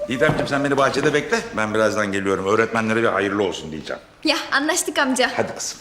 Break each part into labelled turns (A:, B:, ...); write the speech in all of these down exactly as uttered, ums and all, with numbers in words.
A: Didemciğim sen beni bahçede bekle. Ben birazdan geliyorum. Öğretmenlere bir hayırlı olsun diyeceğim.
B: Ya anlaştık amca.
A: Hadi kızım.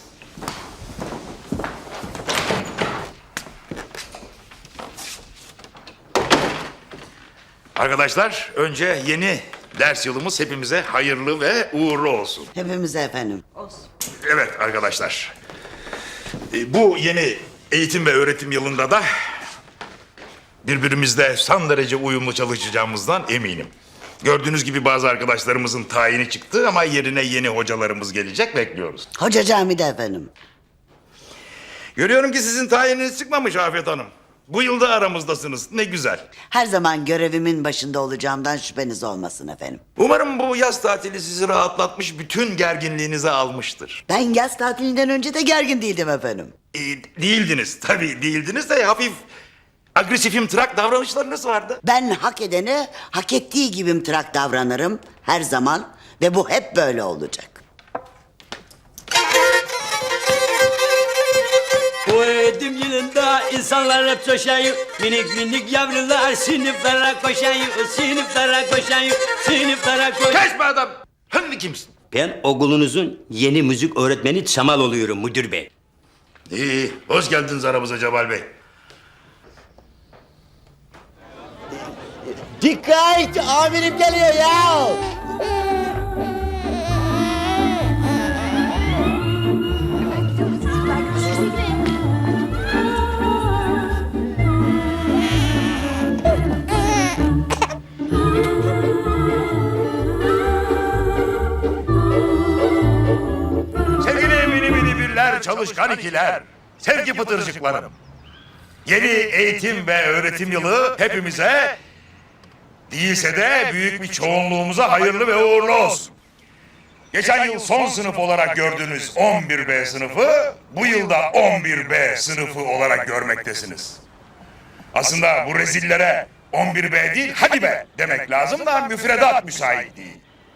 A: Arkadaşlar önce yeni ders yılımız hepimize hayırlı ve uğurlu olsun.
C: Hepimize efendim.
A: Evet arkadaşlar. e, Bu yeni eğitim ve öğretim yılında da birbirimizle son derece uyumlu çalışacağımızdan eminim. Gördüğünüz gibi bazı arkadaşlarımızın tayini çıktı ama yerine yeni hocalarımız gelecek, bekliyoruz.
C: Hoca camide efendim.
A: Görüyorum ki sizin tayininiz çıkmamış Afet Hanım. Bu yılda aramızdasınız. Ne güzel.
C: Her zaman görevimin başında olacağımdan şüpheniz olmasın efendim.
A: Umarım bu yaz tatili sizi rahatlatmış, bütün gerginliğinizi almıştır.
C: Ben yaz tatilinden önce de gergin değildim efendim.
A: Ee, değildiniz, tabii değildiniz de hafif agresif imtrak davranışlarınız vardı.
C: Ben hak edene hak ettiği gibi imtırak davranırım her zaman ve bu hep böyle olacak.
D: Bu eğitim yılında insanlar hep coşayım. Minik minik yavrular sınıflara koşayım. Sınıflara koşayım. Sınıflara koşayım.
A: Kesme adam! Sen kimsin?
D: Ben okulunuzun yeni müzik öğretmeni Çamal oluyorum müdür bey.
A: İyi, hoş geldiniz aramıza Cemal Bey.
C: Dikkat! Amirim geliyor ya!
A: Sevgili mini mini birler, çalışkan ikiler, sevgi pıtırcıklarım. Yeni eğitim ve öğretim yılı hepimize, değilse de büyük bir çoğunluğumuza hayırlı ve uğurlu olsun. Geçen yıl son sınıf olarak gördüğünüz on bir B sınıfı, bu yılda on bir B sınıfı olarak görmektesiniz. Aslında bu rezillere on bir B değil, hadi be demek lazım da müfredat müsait değil.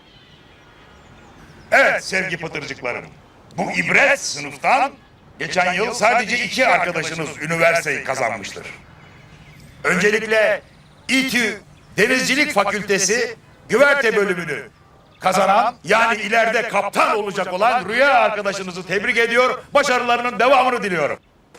A: Evet sevgi pıtırcıklarım, bu ibret sınıftan geçen yıl sadece iki arkadaşınız üniversiteyi kazanmıştır. Öncelikle İTÜ Denizcilik Fakültesi güverte bölümünü kazanan, yani ileride kaptan olacak olan Rüya arkadaşınızı tebrik ediyor, başarılarının devamını diliyorum.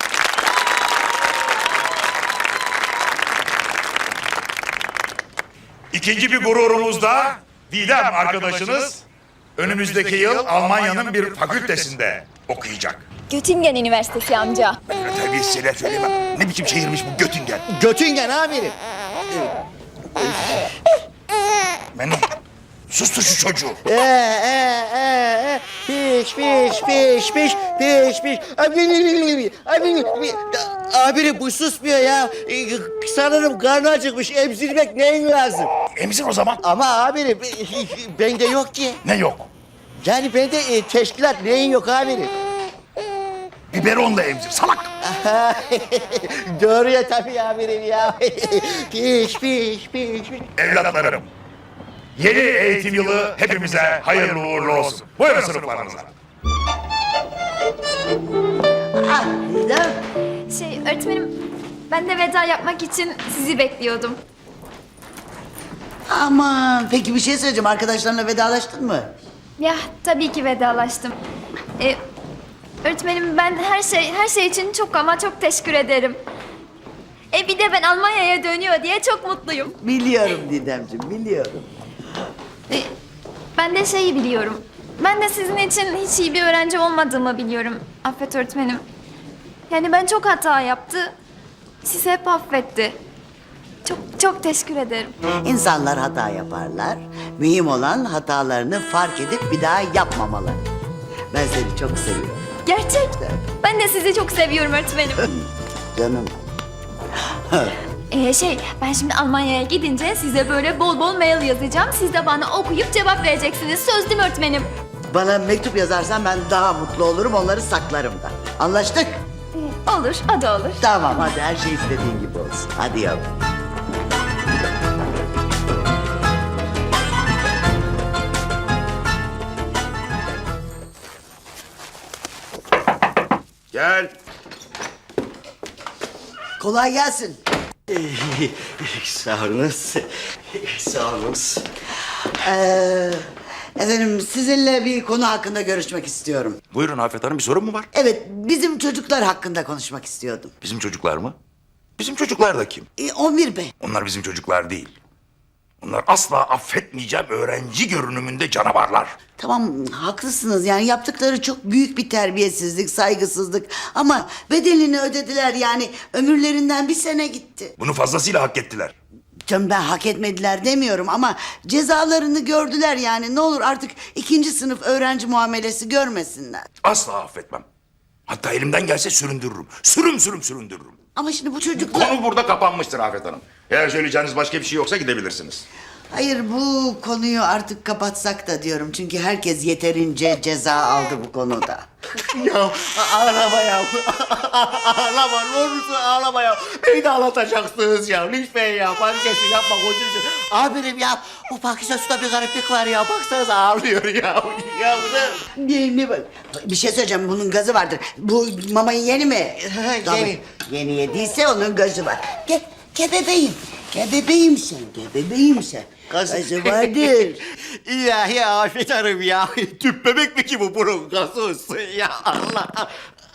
A: İkinci bir gururumuz da Didem arkadaşınız önümüzdeki yıl Almanya'nın bir fakültesinde okuyacak.
B: Göttingen Üniversitesi amca.
A: Terbiyesiz şeyler söylemem. Ne biçim şehirmiş bu Göttingen?
C: Götingen amirim.
A: Benim sustur şu çocuğu.
C: Ee, ee, ee, piş, piş, piş, piş, piş, piş. Abi, abi, amirim bu susmuyor ya. Ee, Sanırım karnı acıkmış. Emzirmek neyin lazım?
A: Emzir o zaman.
C: Ama amirim bende yok ki.
A: Ne yok?
C: Yani bende e, teşkilat neyin yok amirim?
A: Biberonla emzir salak.
C: Doğru ya tabii amirim ya. Piş, piş, piş, piş.
A: Evlatlarım, yeni eğitim yılı hepimize hayırlı uğurlu olsun. Buyurun sınıflarınıza.
C: Ah, Didem.
B: Şey öğretmenim, ben de veda yapmak için sizi bekliyordum.
C: Aman peki bir şey söyleyeceğim. Arkadaşlarınla vedalaştın mı?
B: Ya tabii ki vedalaştım. Ee, öğretmenim ben her şey her şey için çok ama çok teşekkür ederim. E bir de ben Almanya'ya dönüyor diye çok mutluyum.
C: Biliyorum Didemciğim, biliyorum.
B: E, ben de şeyi biliyorum. Ben de sizin için hiç iyi bir öğrenci olmadığımı biliyorum Affet öğretmenim. Yani ben çok hata yaptı. Siz hep affetti. Çok çok teşekkür ederim.
C: İnsanlar hata yaparlar. Mühim olan hatalarını fark edip bir daha yapmamaları. Ben seni çok seviyorum.
B: Gerçek. Ben de sizi çok seviyorum öğretmenim.
C: Canım.
B: Ee, şey, ben şimdi Almanya'ya gidince size böyle bol bol mail yazacağım. Siz de bana okuyup cevap vereceksiniz. Söz değil mi öğretmenim?
C: Bana mektup yazarsan ben daha mutlu olurum, onları saklarım da. Anlaştık?
B: Ee, olur, o da olur.
C: Tamam, hadi her şey istediğin gibi olsun. Hadi yavrum.
A: Gel.
C: Kolay gelsin.
D: Sağ olunuz.
C: Sağ olunuz. Ee, efendim sizinle bir konu hakkında görüşmek istiyorum.
A: Buyurun Afet Hanım, bir sorun mu var?
C: Evet, bizim çocuklar hakkında konuşmak istiyordum.
A: Bizim çocuklar mı? Bizim çocuklar da kim?
C: Ee, Omir Bey.
A: Onlar bizim çocuklar değil. Onlar asla affetmeyeceğim öğrenci görünümünde canavarlar.
C: Tamam, haklısınız. Yani yaptıkları çok büyük bir terbiyesizlik, saygısızlık. Ama bedelini ödediler yani. Ömürlerinden bir sene gitti.
A: Bunu fazlasıyla hak ettiler.
C: Canım ben hak etmediler demiyorum ama cezalarını gördüler yani. Ne olur artık ikinci sınıf öğrenci muamelesi görmesinler.
A: Asla affetmem. Hatta elimden gelse süründürürüm. Sürüm sürüm süründürürüm.
C: Ama şimdi bu çocuklar...
A: Konu burada kapanmıştır Afet Hanım. Eğer söyleyeceğiniz başka bir şey yoksa gidebilirsiniz.
C: Hayır, bu konuyu artık kapatsak da diyorum. Çünkü herkes yeterince ceza aldı bu konuda.
E: Ya ağlama ya. Ağlama, ne olursun ağlama ya. Beni de ağlatacaksınız ya. Lütfen ya. Panikesi yapma, gözünüzü. Abirim ya, bu Pakize Su'da bir gariplik var ya. Baksanıza ağlıyor ya. Ya bu da...
C: Ne, ne bak? Bir şey söyleyeceğim, bunun gazı vardır. Bu mamayı yeni mi? Tabii. Yeni yediyse onun gazı var. Gel, gel bebeğim. Gel bebeğim sen, gel bebeğim sen. Gazı vardır.
E: İlahi Afet Hanım ya. Tüp bebek mi ki bu bunun gazı olsun ya Allah.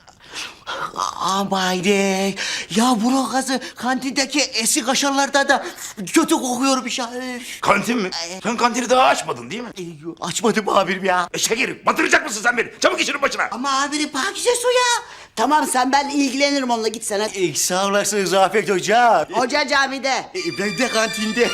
E: Amayde. Ya bunun gazı kantindeki eski kaşarlarda da kötü kokuyor bir şey.
A: Kantin mi? Sen kantini daha açmadın değil mi?
E: Açmadım abirim ya.
A: E şekerim, batıracak mısın sen beni? Çabuk işinin başına.
C: Ama abinin Pakize Su ya. Tamam, sen, ben ilgilenirim onunla, git sen hadi.
E: E, sağ olasınız Afet Hocam.
C: Hoca camide.
E: E, ben de kantinde.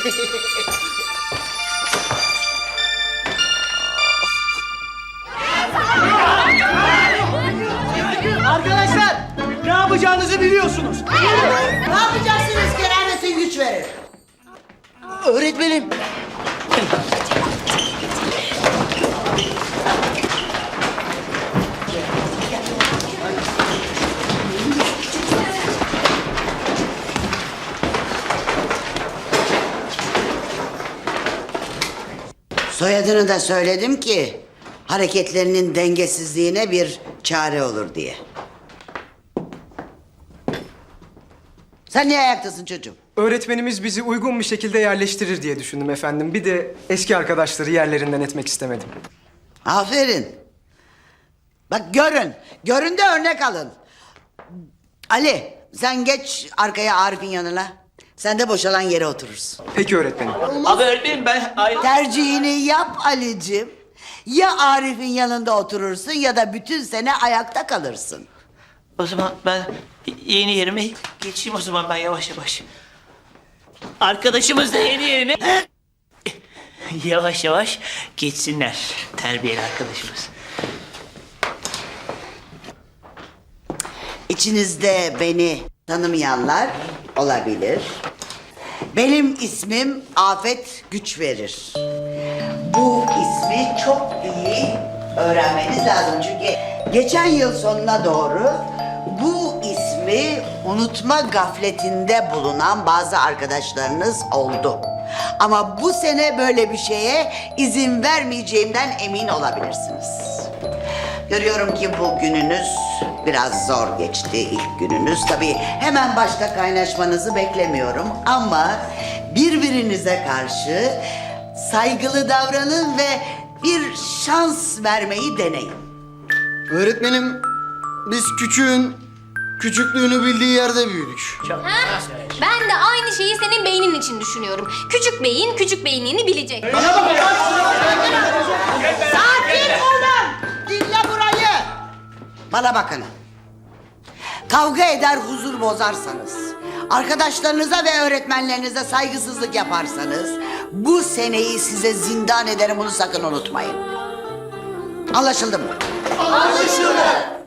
F: Arkadaşlar, ne yapacağınızı biliyorsunuz.
C: Ne yapacaksınız? Kerametin güç verir.
E: Öğretmenim.
C: Soyadını da söyledim ki hareketlerinin dengesizliğine bir çare olur diye. Sen niye ayaktasın çocuğum?
G: Öğretmenimiz bizi uygun bir şekilde yerleştirir diye düşündüm efendim. Bir de eski arkadaşları yerlerinden etmek istemedim.
C: Aferin. Bak görün. Görün de örnek alın. Ali, sen geç arkaya Arif'in yanına. Sen de boşalan yere oturursun.
G: Peki öğretmenim.
D: Abi öğretmenim ben... Ay...
C: Tercihini yap Ali'cim. Ya Arif'in yanında oturursun ya da bütün sene ayakta kalırsın.
H: O zaman ben yeni yerime geçeyim o zaman ben yavaş yavaş. Arkadaşımız da yeni yerine yavaş yavaş geçsinler terbiyeli arkadaşımız.
C: İçinizde beni tanımayanlar olabilir. Benim ismim Afet Güçverir. Bu ismi çok iyi öğrenmeniz lazım çünkü geçen yıl sonuna doğru bu ismi unutma gafletinde bulunan bazı arkadaşlarınız oldu. Ama bu sene böyle bir şeye izin vermeyeceğimden emin olabilirsiniz. Görüyorum ki bu gününüz biraz zor geçti, ilk gününüz. Tabii hemen başta kaynaşmanızı beklemiyorum ama birbirinize karşı saygılı davranın ve bir şans vermeyi deneyin.
E: Öğretmenim, biz küçüğün küçüklüğünü bildiği yerde büyüdük.
I: Ben de aynı şeyi senin beynin için düşünüyorum. Küçük beyin küçük beyinliğini bilecek.
C: Sakin olun! Dinle burayı! Bana bakın. Kavga eder, huzur bozarsanız, arkadaşlarınıza ve öğretmenlerinize saygısızlık yaparsanız, bu seneyi size zindan ederim, bunu sakın unutmayın. Anlaşıldı mı? Anlaşıldı!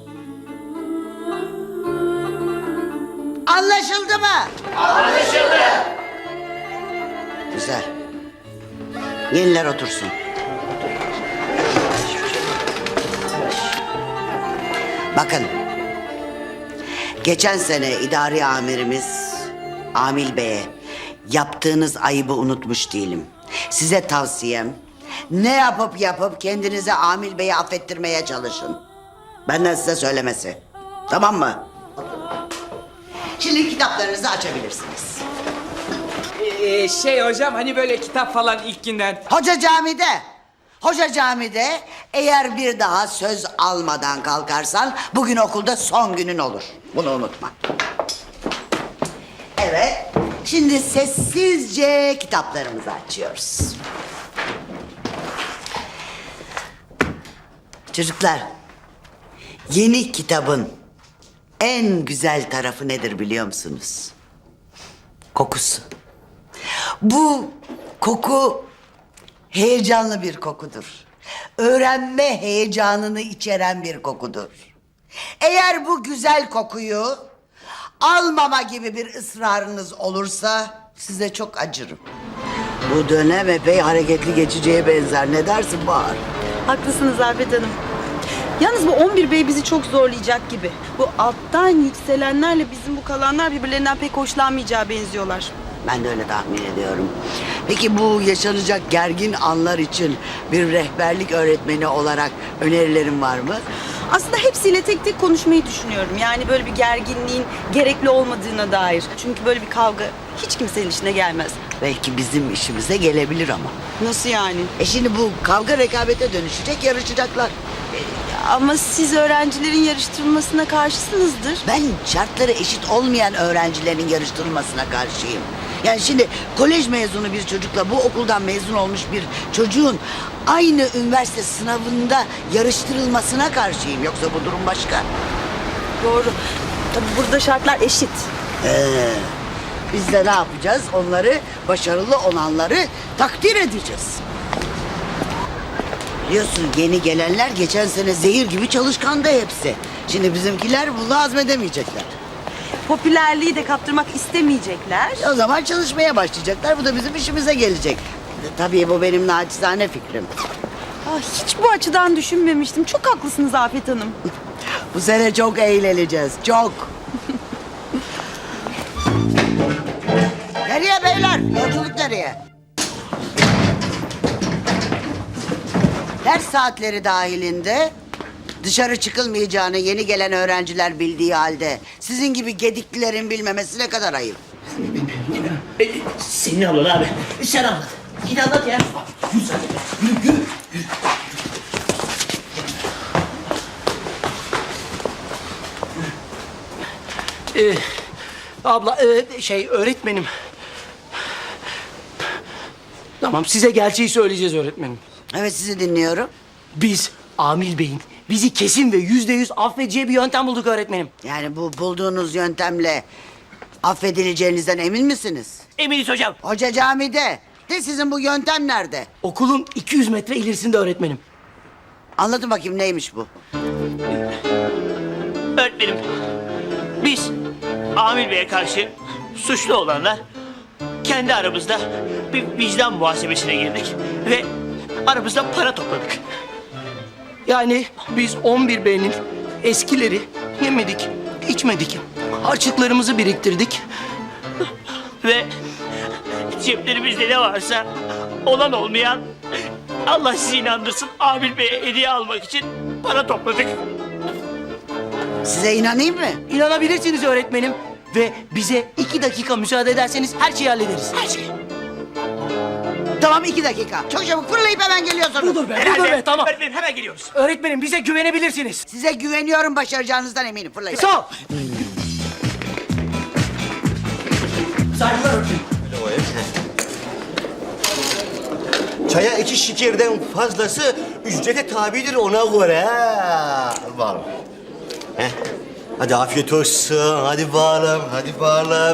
C: Anlaşıldı mı? Anlaşıldı! Güzel. Yeniler otursun. Bakın. Geçen sene idari amirimiz Amil Bey'e yaptığınız ayıbı unutmuş değilim. Size tavsiyem ne yapıp yapıp kendinize Amil Bey'i affettirmeye çalışın. Benden size söylemesi. Tamam mı? Şimdi kitaplarınızı açabilirsiniz.
J: Ee, şey hocam hani böyle kitap falan ilk günden.
K: Hoca camide. Hoca camide eğer bir daha söz almadan kalkarsan bugün okulda son günün olur. Bunu unutma. Evet. Şimdi sessizce kitaplarımızı açıyoruz. Çocuklar, yeni kitabın en güzel tarafı nedir biliyor musunuz? Kokusu. Bu koku heyecanlı bir kokudur. Öğrenme heyecanını içeren bir kokudur. Eğer bu güzel kokuyu almama gibi bir ısrarınız olursa size çok acırım. Bu dönem epey hareketli geçeceğe benzer. Ne dersin Bahar?
L: Haklısınız Afet Hanım. Yalnız bu on bir bey bizi çok zorlayacak gibi. Bu alttan yükselenlerle bizim bu kalanlar birbirlerinden pek hoşlanmayacağı benziyorlar.
K: Ben de öyle tahmin ediyorum. Peki bu yaşanacak gergin anlar için bir rehberlik öğretmeni olarak önerilerin var mı?
L: Aslında hepsiyle tek tek konuşmayı düşünüyorum. Yani böyle bir gerginliğin gerekli olmadığına dair. Çünkü böyle bir kavga hiç kimsenin işine gelmez.
K: Belki bizim işimize gelebilir ama.
L: Nasıl yani?
K: E şimdi bu kavga rekabete dönüşecek, yarışacaklar.
L: Ama siz öğrencilerin yarıştırılmasına karşısınızdır.
K: Ben şartları eşit olmayan öğrencilerin yarıştırılmasına karşıyım. Yani şimdi kolej mezunu bir çocukla bu okuldan mezun olmuş bir çocuğun aynı üniversite sınavında yarıştırılmasına karşıyım. Yoksa bu durum başka.
L: Doğru. Tabii burada şartlar eşit.
K: Ee, biz de ne yapacağız? Onları, başarılı olanları takdir edeceğiz. Biliyorsun yeni gelenler geçen sene zehir gibi çalışkandı hepsi. Şimdi bizimkiler bunu hazmedemeyecekler.
L: Popülerliği de kaptırmak istemeyecekler.
K: O zaman çalışmaya başlayacaklar. Bu da bizim işimize gelecek. Tabii bu benim naçizane fikrim.
L: Ah, hiç bu açıdan düşünmemiştim. Çok haklısınız Afet Hanım.
K: Bu sene çok eğleneceğiz. Çok. Nereye beyler? Yolculuk nereye? Ders saatleri dahilinde dışarı çıkılmayacağını yeni gelen öğrenciler bildiği halde sizin gibi gediklilerin bilmemesi ne kadar ayıp.
H: E, senin ablan abi. Sen anlat. Git anlat ya. Yürü sen. Yürü yürü. yürü.
E: Ee, abla e, şey öğretmenim. Tamam size gerçeği söyleyeceğiz öğretmenim.
K: Evet sizi dinliyorum.
E: Biz Amil Bey'in bizi kesin ve yüzde yüz affedeceği bir yöntem bulduk öğretmenim.
K: Yani bu bulduğunuz yöntemle affedileceğinizden emin misiniz?
H: Eminiz hocam.
K: Hoca camide. De sizin bu yöntem nerede?
E: Okulun iki yüz metre ilerisinde öğretmenim.
K: Anlatın bakayım neymiş bu?
H: Öğretmenim. Biz Amil Bey'e karşı suçlu olanlar kendi aramızda bir vicdan muhasebesine girdik ve aramızda para topladık.
E: Yani biz on bir B'nin eskileri yemedik, içmedik. Harçlıklarımızı biriktirdik.
H: Ve ceplerimizde ne varsa olan olmayan Allah sizi inandırsın Amil Bey'e hediye almak için para topladık.
K: Size inanayım mı?
E: İnanabilirsiniz öğretmenim. Ve bize iki dakika müsaade ederseniz her şeyi hallederiz.
H: Her şey.
K: Tamam iki dakika. Çok çabuk fırlayıp hemen geliyorsunuz.
E: Budur be, budur be, tamam.
H: Öğretmenim hemen geliyoruz.
E: Öğretmenim bize güvenebilirsiniz.
K: Size güveniyorum, başaracağınızdan eminim. Fırlayın.
E: Sağ ol. Saygılar öğretmenim.
C: Çaya iki şekerden fazlası ücrete tabidir ona göre. Ha. Var. Heh. Hadi afiyet olsun. Hadi bağlam, hadi bağlam.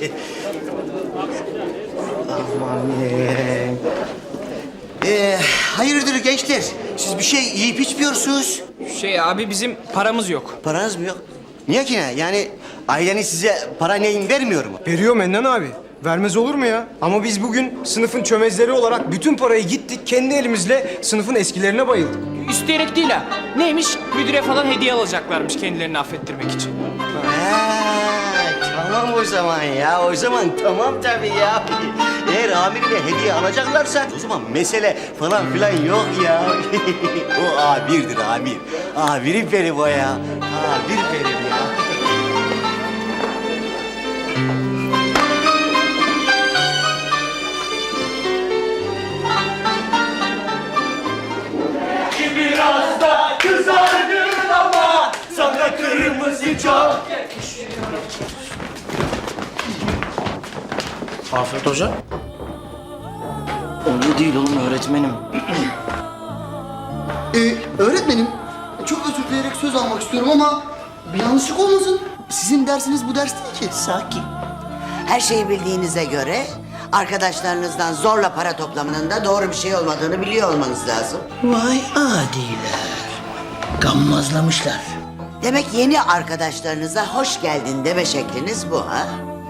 C: Aman ne? Ee, hayırdır gençler? Siz bir şey yiyip içmiyorsunuz.
J: Şey abi bizim paramız yok.
C: Paranız mı yok? Niye ki ne? Yani aileniz size para neyin vermiyor mu?
G: Veriyor Mennan abi. Vermez olur mu ya? Ama biz bugün sınıfın çömezleri olarak bütün parayı gittik, kendi elimizle sınıfın eskilerine bayıldık.
J: İsteyerek değil ha. Neymiş? Müdüre falan hediye alacaklarmış kendilerini affettirmek için.
C: Ha, tamam o zaman ya. O zaman tamam tabii ya. Eğer amirine hediye alacaklarsa o zaman mesele falan filan yok ya. O amirdir amir. Amirim benim o ya. Amir benim ya.
F: Çok
C: Afet Hoca.
F: Öyle değil oğlum öğretmenim.
M: Ee, öğretmenim, çok özür dileyerek söz almak istiyorum ama bir yanlışlık olmasın. Sizin dersiniz bu ders değil ki.
K: Sakin. Her şeyi bildiğinize göre arkadaşlarınızdan zorla para toplamanın da doğru bir şey olmadığını biliyor olmanız lazım.
E: Vay adiler. Gammazlamışlar.
K: Demek yeni arkadaşlarınıza hoş geldin deme şekliniz bu ha?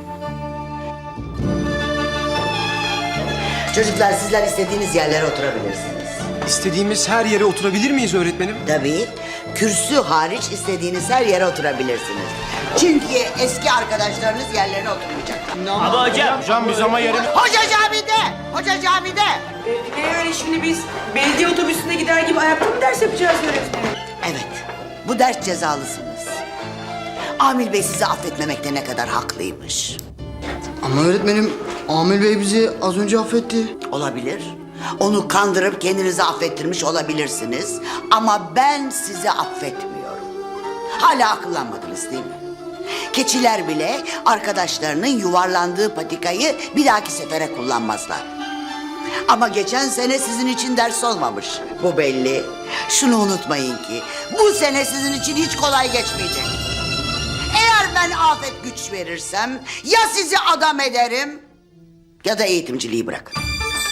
K: Çocuklar sizler istediğiniz yerlere oturabilirsiniz.
G: İstediğimiz her yere oturabilir miyiz öğretmenim?
K: Tabii. Kürsü hariç istediğiniz her yere oturabilirsiniz. Çünkü eski arkadaşlarınız yerlerine oturmayacaklar.
H: Ama hocam.
G: Hocam biz ama yerimiz...
K: Hoca camide! Hoca camide!
L: Ne öyle şimdi biz belediye otobüsüne gider gibi ayakta mı ders yapacağız öğretmenim?
K: Evet. Bu ders cezalısınız. Amil Bey sizi affetmemekte ne kadar haklıymış.
M: Ama öğretmenim, Amil Bey bizi az önce affetti.
K: Olabilir. Onu kandırıp kendinizi affettirmiş olabilirsiniz. Ama ben sizi affetmiyorum. Hala akıllanmadınız değil mi? Keçiler bile arkadaşlarının yuvarlandığı patikayı bir dahaki sefere kullanmazlar. Ama geçen sene sizin için ders olmamış. Bu belli. Şunu unutmayın ki bu sene sizin için hiç kolay geçmeyecek. Eğer ben afet güç verirsem ya sizi adam ederim ya da eğitimciliği bırakırım.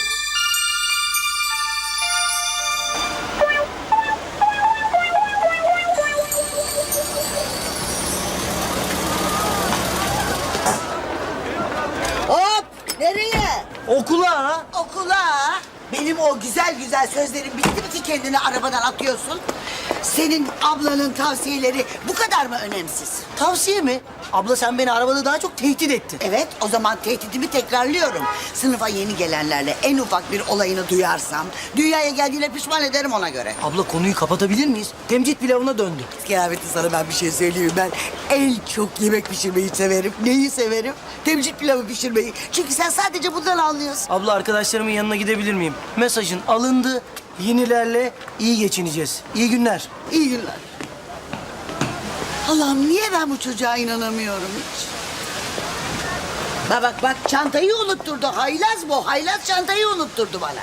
K: Hop! Nereye?
F: Okula.
K: Okula. Benim o güzel güzel sözlerim bitti mi ki kendini arabadan atıyorsun? Senin ablanın tavsiyeleri bu kadar mı önemsiz?
F: Tavsiye mi? Abla sen beni arabada daha çok tehdit ettin.
K: Evet, o zaman tehdidimi tekrarlıyorum. Sınıfa yeni gelenlerle en ufak bir olayını duyarsam... ...dünyaya geldiğine pişman ederim ona göre.
F: Abla konuyu kapatabilir miyiz? Temcit pilavına döndü.
K: Kıyafetli sana ben bir şey söyleyeyim. Ben en çok yemek pişirmeyi severim. Neyi severim? Temcit pilavı pişirmeyi. Çünkü sen sadece bundan anlıyorsun.
F: Abla arkadaşlarımın yanına gidebilir miyim? Mesajın alındı. Yenilerle iyi geçineceğiz. İyi günler.
K: İyi günler. Allah'ım niye ben bu çocuğa inanamıyorum hiç? Bak bak bak çantayı unutturdu. Haylaz bu. Haylaz çantayı unutturdu bana.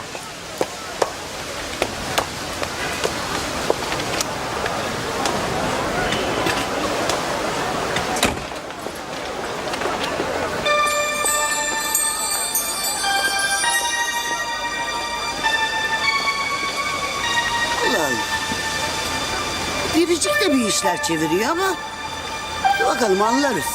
K: Allah Allah. Biricik de bir işler çeviriyor ama... ...dur bakalım anlarız.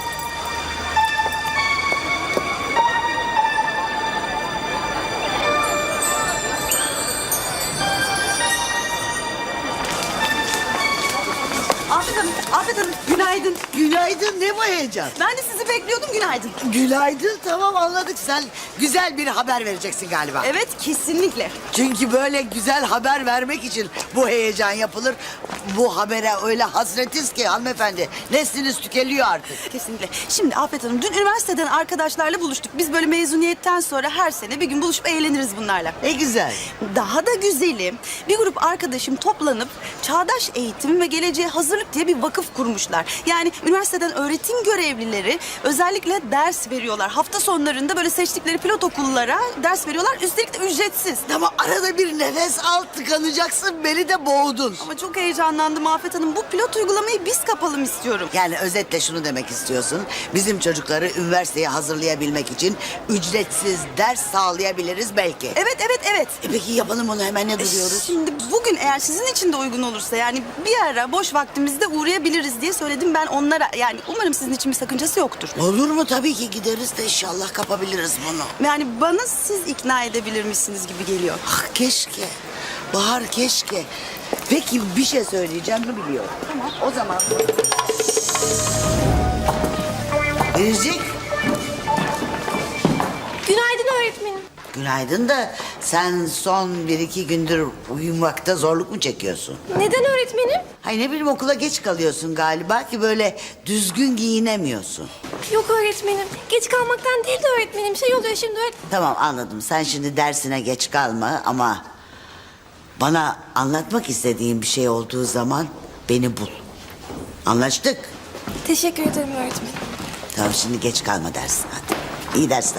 L: Afet Hanım, Afet Hanım günaydın.
K: Günaydın, ne bu heyecan?
L: Ben de sizi bekliyordum, günaydın.
K: Günaydın, tamam anladık. Sen güzel bir haber vereceksin galiba.
L: Evet, kesinlikle.
K: Çünkü böyle güzel haber vermek için bu heyecan yapılır. Bu habere öyle hasretiz ki hanımefendi. Nesliniz tükeniyor artık.
L: Kesinlikle. Şimdi Afet Hanım, dün üniversiteden arkadaşlarla buluştuk. Biz böyle mezuniyetten sonra her sene bir gün buluşup eğleniriz bunlarla.
K: Ne güzel.
L: Daha da güzeli, bir grup arkadaşım toplanıp Çağdaş Eğitim ve Geleceğe Hazırlık diye bir vakıf kurmuşlar. Yani üniversiteden öğretim görevlileri özellikle ders veriyorlar. Hafta sonlarında böyle seçtikleri pilot okullara ders veriyorlar. Üstelik de ücretsiz.
K: Ama arada bir nefes al, tıkanacaksın. Beni de boğdun.
L: Ama çok heyecanlandım Afet Hanım. Bu pilot uygulamayı biz kapalım istiyorum.
K: Yani özetle şunu demek istiyorsun. Bizim çocukları üniversiteye hazırlayabilmek için ücretsiz ders sağlayabiliriz belki.
L: Evet, evet, evet.
K: E peki yapalım onu, hemen ne duruyoruz?
L: Şimdi bugün eğer sizin için de uygun olursa yani bir ara boş vaktimizde uğrayabiliriz diye söyledim ben onlara. Yani umarım sizin için bir sakıncası yoktur.
K: Olur mu? Tabii ki gideriz de inşallah kapabiliriz bunu.
L: Yani bana siz ikna edebilirmişsiniz gibi geliyor.
K: Ah keşke. Bahar keşke. Peki bir şey söyleyeceğim mi biliyorum.
L: Tamam.
K: O zaman. Biricik.
I: Günaydın öğretmenim.
K: Günaydın da sen son bir iki gündür uyumakta zorluk mu çekiyorsun?
I: Neden öğretmenim?
K: Hay ne bileyim okula geç kalıyorsun galiba ki böyle düzgün giyinemiyorsun.
I: Yok öğretmenim. Geç kalmaktan değil de öğretmenim. Şey oluyor şimdi öğretmenim.
K: Tamam anladım. Sen şimdi dersine geç kalma ama bana anlatmak istediğin bir şey olduğu zaman beni bul. Anlaştık?
L: Teşekkür ederim öğretmenim.
K: Tamam şimdi geç kalma dersin hadi. İyi dersler.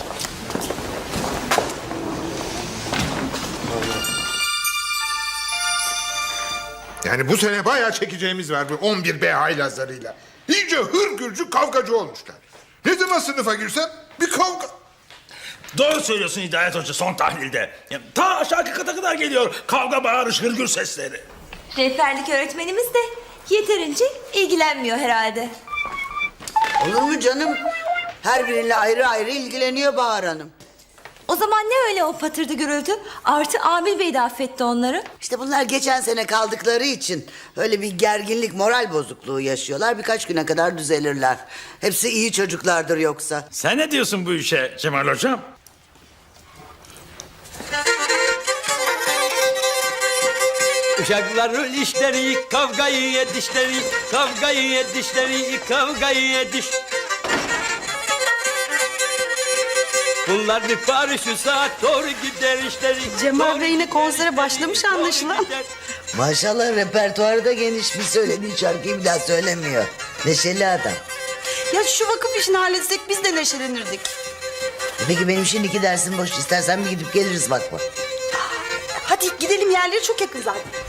N: Yani bu sene bayağı çekeceğimiz var bu on bir B haylazlarıyla. İyice hırgürcü kavgacı olmuşlar. Ne zaman sınıfa girsem bir kavga.
A: Doğru söylüyorsun Hidayet Hoca son tahlilde. Ya, ta aşağı kata kadar geliyor kavga, bağırış, hırgür sesleri.
I: Rehberlik öğretmenimiz de yeterince ilgilenmiyor herhalde.
K: Olur mu canım? Her biriyle ayrı ayrı ilgileniyor Bahar Hanım.
I: O zaman ne öyle o patırdı gürültü? Artı Amil Bey de affetti onları.
K: İşte bunlar geçen sene kaldıkları için öyle bir gerginlik, moral bozukluğu yaşıyorlar. Birkaç güne kadar düzelirler. Hepsi iyi çocuklardır yoksa.
A: Sen ne diyorsun bu işe Cemal Hocam?
D: Uşakların işleri, kavgayı yedişleri, kavgayı yedişleri, kavgayı yediş. Bunlar bir Paris şu saat doğru gider işleri.
L: Cemal Bey yine konsere başlamış anlaşılan.
K: Maşallah repertuarı da geniş, bir söylediği şarkıyı bir daha söylemiyor. Neşeli adam.
L: Ya şu vakıf işini halletsek biz de neşelenirdik.
K: E peki benim şimdi iki dersim boş. İstersen bir gidip geliriz bakma.
L: Hadi gidelim, yerleri çok yakın zaten.